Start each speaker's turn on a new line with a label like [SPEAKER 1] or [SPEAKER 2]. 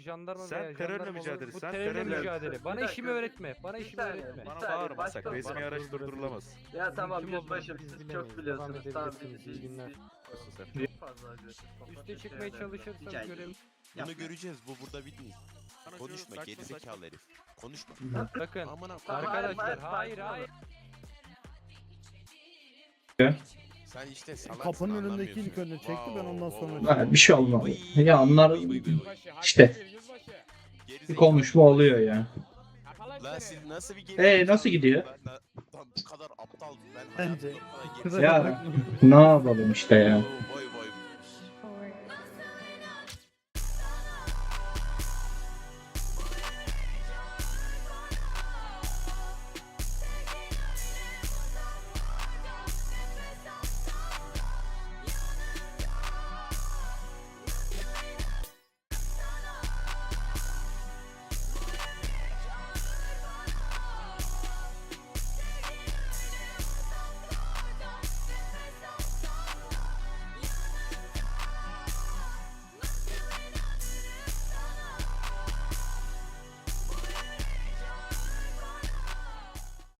[SPEAKER 1] jandarma
[SPEAKER 2] Sen
[SPEAKER 1] veya
[SPEAKER 2] terörle
[SPEAKER 1] jandarma olur.
[SPEAKER 2] mücadele,
[SPEAKER 1] Bu
[SPEAKER 2] sen
[SPEAKER 1] terörle
[SPEAKER 2] terörle-
[SPEAKER 1] mücadele. Bana
[SPEAKER 3] Bir dakika,
[SPEAKER 1] işimi öğretme. Bana
[SPEAKER 3] bir
[SPEAKER 1] işimi
[SPEAKER 3] saniye,
[SPEAKER 1] öğretme.
[SPEAKER 3] bir
[SPEAKER 2] Bana
[SPEAKER 3] saniye,
[SPEAKER 2] bağırma
[SPEAKER 3] başka
[SPEAKER 2] sakın.
[SPEAKER 3] olur.
[SPEAKER 2] Resmi araç durdurulamaz.
[SPEAKER 3] Ya tamam
[SPEAKER 1] Kim olduğunu
[SPEAKER 3] yüzbaşım
[SPEAKER 1] biz
[SPEAKER 3] siz
[SPEAKER 1] bilemeyiz.
[SPEAKER 3] çok biliyorsunuz.
[SPEAKER 1] Devam
[SPEAKER 3] Tamam
[SPEAKER 1] edebilirsiniz, iyi günler.
[SPEAKER 2] Nasılsın sen?
[SPEAKER 3] Çok fazla agresif.
[SPEAKER 1] Üste çıkmaya çalışırsanız
[SPEAKER 4] Rica ederim.
[SPEAKER 1] görev...
[SPEAKER 4] Bunu göreceğiz. Bu burada bitmiyor.
[SPEAKER 2] Bana
[SPEAKER 4] Konuşma
[SPEAKER 2] saçma
[SPEAKER 4] gerizekalı herif. Konuşma.
[SPEAKER 1] Bakın
[SPEAKER 4] Amına
[SPEAKER 3] Tamam,
[SPEAKER 1] arkadaşlar
[SPEAKER 3] hayır,
[SPEAKER 1] hayır.
[SPEAKER 4] Sen işte salaksın,
[SPEAKER 5] Kapının önündeki
[SPEAKER 4] anlamıyorsun.
[SPEAKER 5] ilk önüne çekti, ben ondan sonra
[SPEAKER 4] wow.
[SPEAKER 5] çektim.
[SPEAKER 6] Bir şey olmadı. Ya onlar işte bir
[SPEAKER 4] Gerizekalı.
[SPEAKER 6] konuşma oluyor ya.
[SPEAKER 4] Lan siz nasıl bir
[SPEAKER 6] Nasıl gidiyor?
[SPEAKER 4] Ben bu kadar aptal. Ben
[SPEAKER 5] Bence.
[SPEAKER 4] hayatımda bu kadar
[SPEAKER 6] Ya ne yapalım işte ya.
[SPEAKER 4] Vay